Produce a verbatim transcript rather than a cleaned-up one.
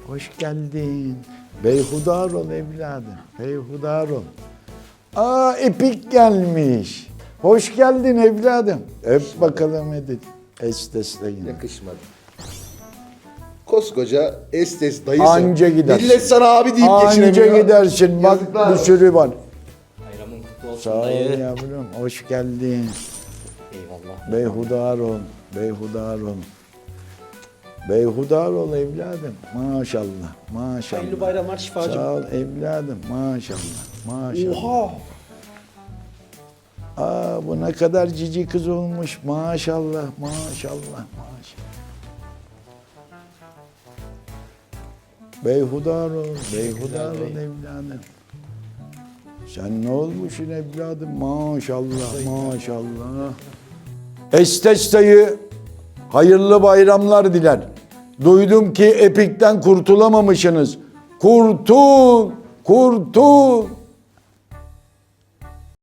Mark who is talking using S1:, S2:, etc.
S1: Hoş geldin. Beyhudar ol evladım. Beyhudar ol. Aa Epik gelmiş. Hoş geldin evladım. Öp bakalım Edil. Estesleyin.
S2: Yakışmadı. Koskoca Estes dayısı.
S1: Anca gidersin.
S2: Millet sana abi deyip geçiremiyor.
S1: Anca gidersin. Bak
S2: Yazıklar
S1: bir
S2: olsun.
S1: sürü var.
S3: Bayramın kutlu olsun
S1: Sağ ol
S3: dayı.
S1: yavrum. Hoş geldin.
S3: Eyvallah.
S1: Beyhudar ol. Beyhudar ol. Beyhudar ol evladım. Maşallah. Maşallah.
S3: Hayırlı bayramlar şifacım.
S1: Sağ ol evladım. Maşallah. Maşallah.
S3: Oha!
S1: Aa bu ne kadar cici kız olmuş. Maşallah. Maşallah. Maşallah. Beyhudar ol. Beyhudar ol evladım. Sen ne olmuşsun evladım? Maşallah. Maşallah. Estes dayı hayırlı bayramlar diler. Duydum ki Epik'ten kurtulamamışsınız. Kurtul, kurtul.